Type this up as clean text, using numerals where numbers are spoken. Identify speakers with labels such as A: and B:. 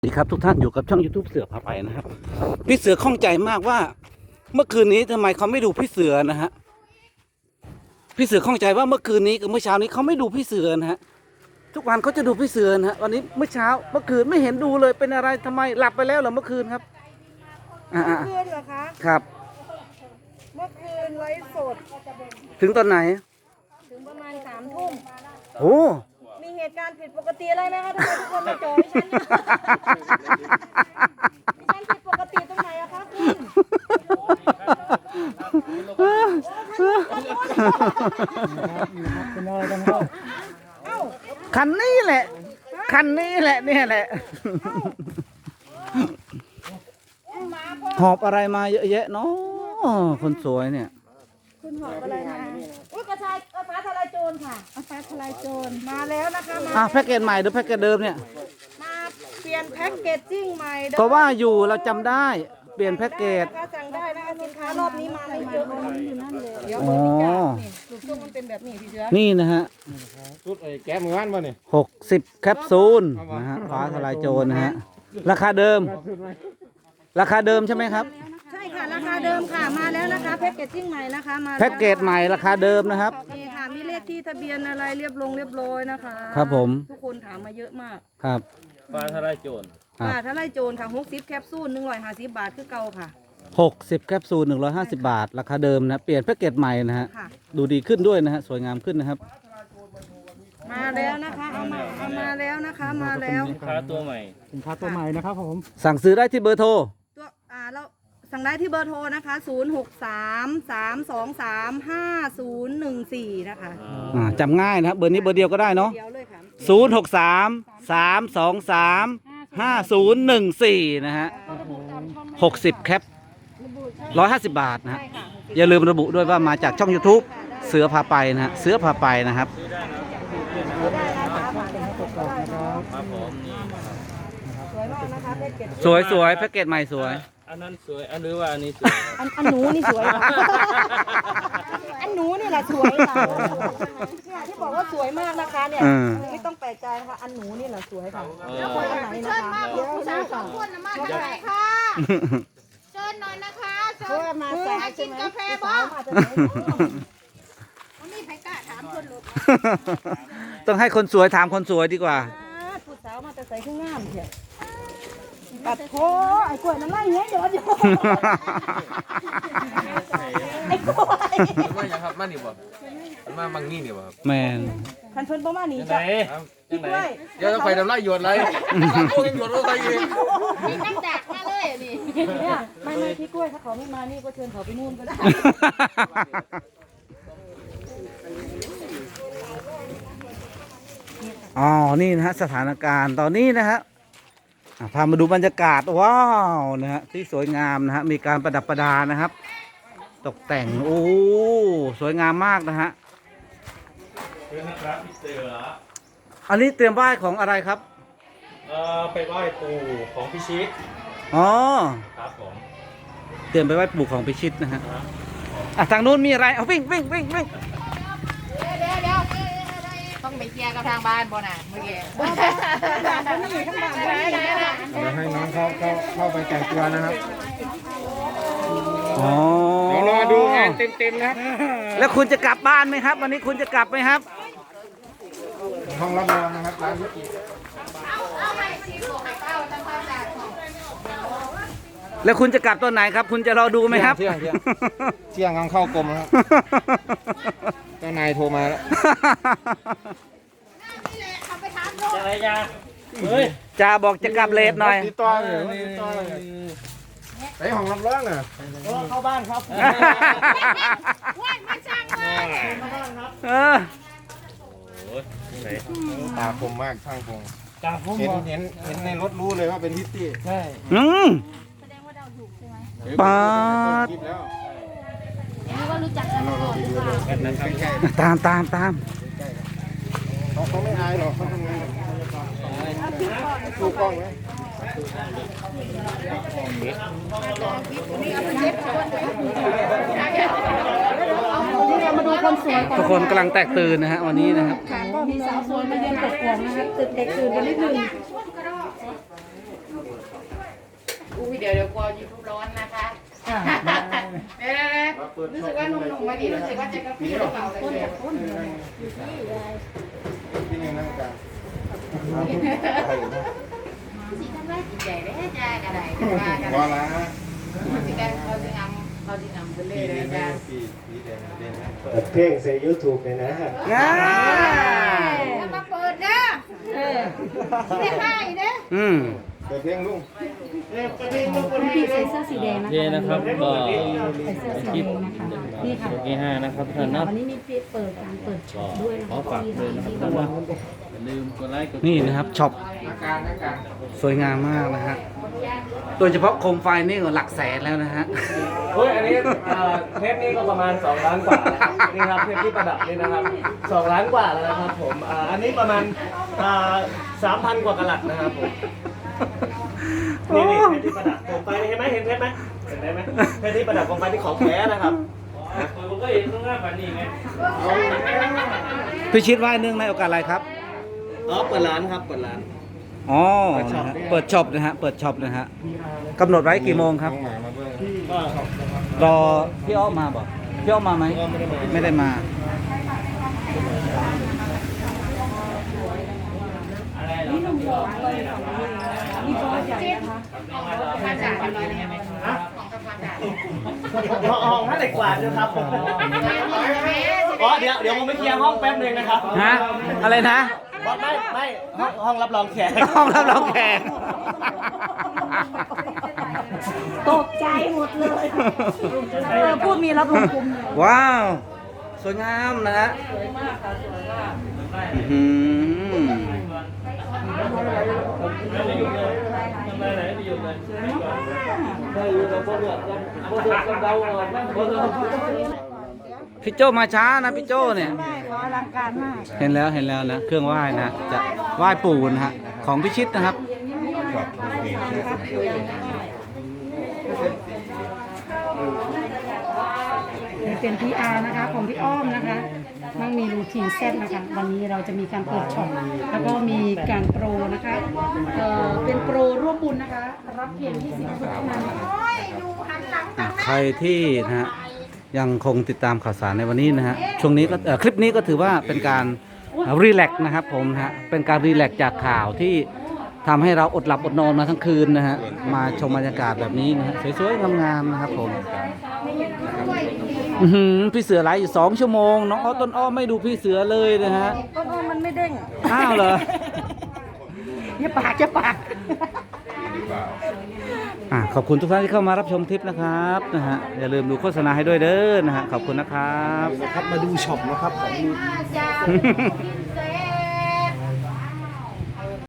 A: สวัสดีครับทุกท่านอยู่กับช่อง YouTube เสือพาไปนะครับพี่เสือข้องใจมากว่า เมื่อคืนนี้ทำไมเขาไม่ดูพี่เสือนะฮะพี่เสือข้องใจว่าเมื่อคืนนี้กับเมื่อเช้านี้เขาไม่ดูพี่เสือนะฮะทุกวันเขาจะดูพี่เสือนะฮะวันนี้เมื่อเช้าเมื่อคืนไม่เห็นดูเลยเป็นอะไรทำไมหลับไปแล้วเหรอเมื่อคืนครับ
B: เมื่อคืนเหรอคะ
A: ครับ
B: เมื่อคืนไลฟ์สด
A: ถึงตอนไหน
B: ถึงประมาณ3 ทุ่ม
A: โอ้
B: มีเหตุการณ์ผิดปกติอะไรไหมคะทำไมทุกคนมาโจมดิฉันเนี่ยดิฉันผิดปกติตรงไหนอะคะคุณเอ้า
A: คันนี้แหละคันนี้แหละเนี่ยแหละหอบอะไรมาเยอะแยะเนาะคนสวยเนี่ย
B: คุณหอบอะไรมาอุ้ยกระชายฟ้าทลายโจรค่ะฟ้าทลายโจรมาแล้วนะคะมา
A: แพ็กเกจใหม่หรือแพ็กเกจเดิมเนี่ย
B: มาเปลี่ยนแพ็กเกจจิ้งใหม่
A: ก็ว่าอยู่เราจำได้เปลี่ยนแพ็กเกจ
B: สั่งได้นะคะสินค้ารอบนี้มาไม่เยอะอยู่นั่นเลยเดี๋ยวเบอร์พิกัดนี่ลูกช่วงมันเป็นแบบนี้พี่เสือ
A: นี่นะฮะ
C: ชุดแก้มือวันป่ะนี่
A: 60 แคปซูลนะฮะฟ้าทลายโจรนะฮะราคาเดิมใช่ไหมครับ
B: ใช่ค่ะราคาเดิมค่ะมาแล้วนะคะแพ็กเกจจิ้งใหม่นะคะมา
A: แพ็กเกจใหม่ราคาเดิมนะครับ
B: นี่ค่ะมีเลขที่ทะเบียนอะไรเรียบร้อยนะคะ
A: ครับผม
B: ทุกคนถามมาเยอะมาก
A: ครับ
C: ฟ้าทลายโจร
B: ฟ้าทลายโจรค่ะ60 แคปซูล150 บาทคือเก่าค่ะ
A: 60 แคปซูล150 บาทราคาเดิมนะเปลี่ยนแพ็กเกจใหม่นะฮะดูดีขึ้นด้วยนะฮะสวยงามขึ้นนะครับ
B: มาแล้วนะคะเอามาแล้วนะคะมาแล้ว
C: สินค้าตัวใหม่
A: นะครับผมสั่งซื้อได้ที่เบอร์โทร
B: ตัวเราสั่งได้ที่เบอร์โทรนะคะ0633235014นะคะ
A: จำง่ายนะครับเบอร์นี้เบอร์เดียวก็ได้เนาะ
B: เดียวเลยค่ะ
A: 0633235014นะฮะ60 แคป150 บาทนะฮะอย่าลืมระบุด้วยว่ามาจากช่อง YouTube เสือพาไปนะฮะเสือพาไปนะครับสวยแพ็กเกจใหม่สวย
C: อันนั้นสวยอันหรือว่าอันนี้สวย
B: อันหนูนี่สวยค่ะอันหนูนี่แหละสวยค่ะที่บอกว่าสวยมากนะคะเนี่ยไม่ต้องแปลกใจนะคะอันหนูนี่แหละสวยค่ะแล้วคนอันไหนนะคะเดี๋ยวนะค่ะ
D: มาจากไหนคะเชิญหน่อยนะคะเชิญ
B: มา
D: กินกาแฟบ้างวันนี้ใครกล้าถามคนหลุด
A: ต้องให้คนสวยถามคนสวยดีกว่า
B: ผู้สาวมาแต่ใส่ข้างงามเถอะปัดโถไอ้กล้วยมันไล่เงี้ยเดี๋ยวไอ้กล้วย
C: มาอย่างครับมานี่บ่มามังนี่นี่บ่ครับ
A: แมน
B: คันเพิ่นประมาณนี้จ้ะพี่กล้วย
C: เดี๋ยวต้องไปทำไรหยดไรโอ้ยหยดอะไรอีก
D: มีน้ำดักมาเลยนี่
B: เนี่ยไม่พี่กล้วยถ้าเขาไม่มานี่ก็เชิญเขาไปนู่นก็ได้
A: นี่นะฮะสถานการณ์ตอนนี้นะฮะพามาดูบรรยากาศว้าวนะฮะที่สวยงามนะฮะมีการประดับประดานะครับ ตกแต่งโอ้สวยงามมากนะฮะอันนี้เตรียมไหว้ของอะไรครับ
C: ไปไหว้ปู่ของพิชิตครับผม
A: เตรียมไปไหว้ปู่ของพิชิตนะฮะทางนู้นมีอะไรเอาวิ่ง
D: ต้องไปเคลียร์กับทางบ้านบ่น่ะเมื่อกี้
C: ให้น้องเข้าไปแต่งตัวนะครับ
A: เดี๋
C: ยวรอดูงานเต็มนะครับ
A: แล้วคุณจะกลับบ้านไหมครับวันนี้คุณจะกลับไหมครับ
C: ห้องรับรองนะครับร้านนี้
A: แล้วคุณจะกลับตอนไหนครับคุณจะรอดูไหมครับ
C: เที่ยงกำลังเข้ากรมครับเจ้านายโทรมาแล้วอะไรจ้า
A: จ่าบอกจะกลับเลทหน่อย
C: ติดต่อเลยไอห้องรับรองน่ะเข้าบ้านครับ
D: ว่างมาช่าง
C: เลยตาคมมากช่างคงเห็นในรถรู้เลยว่าเป็นพิตตี้ใช่
D: แสดงว่าเราถูกใช่ไหม
A: ปาด
D: รู้ว่ารู้จักกันมาก่อนหรือเป
A: ต
D: ล่า
A: ตาม
C: เขาไม่อายหรอกเขาทำงานดูกล้องไหม
B: มาดูคนสวย
A: ทุกคนกำลังแตกตื่นนะฮะวันนี้นะครับ
B: ก็มีสาวสวยมาเยือนกดกวงนะครับตื่นเด็กตื่นกันนิดนึง
D: เดี๋ยวกลัวยูทูบร้อนนะคะเดี๋ยวรู้สึกว่าหนุ่มๆมาดีรู้สึกว่าจะกระพริบกระเป๋าเลย
C: ที่นี่นั่งกัน
D: สีทำไรจิตใจได้จ้ากระไรกัน
C: ว่าละ
D: สิกันเขาจะงำไปเลยจ้า
E: เพลงใส่ YouTube เนี่ยนะ
D: มาเปิดนะไม่ให้นะ
A: อืม
C: เปิดเพลงลุง
B: พี่ใส่เสื้อสีแดงนะคะ
F: โอเคนะครับก็
B: ใส่เสื้อสีแดงนะคะนี่ค่ะ
F: ที่5นะครับท่าน
B: นี่ค่ะ
F: นะ
B: วันนี้มีเปิดการเปิดช็อปด้วยนะ
F: ขอ
B: คะ
F: ฝากเลยนะครับท่านนะอย่าลืมกดไลค์กด
A: นี่นะครับช็อปสวยงามมากนะฮะโดยเฉพาะโคมไฟนี่ก็หลักแสนแล้วนะฮะ
E: เฮ้ย อันนี้เทปนี้ก็ประมาณ2 ล้านกว่านะครับนี่ครับเทปที่ประดับนี่นะครับ2 ล้านกว่าแล้วนะครับผมอันนี้ประมาณ3,000 กว่ากะลัดนะครับผมนี่เทปที่ประดับโคมไฟเห็นไหมเห็นเทปไหมเห็นได้ไหมเทปที่ประดับโคมไฟที่ของแท้นะครับผมก็เห็นตรงหน้าแบบนี้ไง
A: พี่ชิดว่าเนื่องในโอกาสอะไรครับ
E: เปิดร้านครับเปิดร้าน
A: อ๋อนะฮะเปิดช็อปนะฮะ เปิดช็อปนะฮะกำหนดไว้กี่โมงครับ
C: น้องหมามาเบิ่ง
E: ก็
A: รอพี่อ้อมมาบอกพี่อ้อมมาไหม ไม่ได้มา
D: มาจากอะไรเนี่ยของกระพันจ่า
E: ห้องท่าเหล็กกว่าด้วยครับอ๋อเดี๋ยวผมไปเคลียร์ห้องแป๊บนึงนะครับ
A: ฮะ อะไรนะ
E: ไม่ห้องรับรองแขก
A: ห้องรับรองแขก
B: ตกใจหมดเลยพูดมีรับลมคุมเลย
A: ว้าว สวยงามนะฮะอื้อหือพี่โจมาช้านะพี่โจเนี่ย
B: ได้ขออลังการมาก
A: เห็นแล้วนะ เครื่องไหว้นะ จะไหว้ปู่นะฮะ ของพิชิตนะครับ
B: เป็น PR นะคะของพี่อ้อมนะคะมั่งมีรูทีนเซตนะคะวันนี้เราจะมีการเปิดช็อปแล้วก็มีการโปรนะคะเป็นโปรร่วมบุญนะคะ รับเพียง20คนเท่านั้นนะคะ
A: ใครที่นะฮะยังคงติดตามข่าวสารในวันนี้นะฮะช่วงนี้ก็คลิปนี้ก็ถือว่าเป็นการรีแลกซ์นะครับผมนะฮะเป็นการรีแลกซ์จากข่าวที่ทำให้เราอดหลับอดนอนมาทั้งคืนนะฮะมาชมบรรยากาศแบบนี้นะฮะสวยๆงามๆนะครับผมอื้อหือพี่เสือไลฟ์อยู่2 ชั่วโมงน้องอ้อต้นอ้อไม่ดูพี่เสือเลยนะฮะ
B: ต้นอ้อมันไม่เด้ง
A: อ้าวเหรอ
B: อย่าปากอย่าปาก
A: ขอบคุณทุกท่านที่เข้ามารับชมคลิปนะครับนะฮะอย่าลืมดูโฆษณาให้ด้วยเด้อนะฮะขอบคุณนะครับ
C: นะครับมาดูช็อปนะครับของ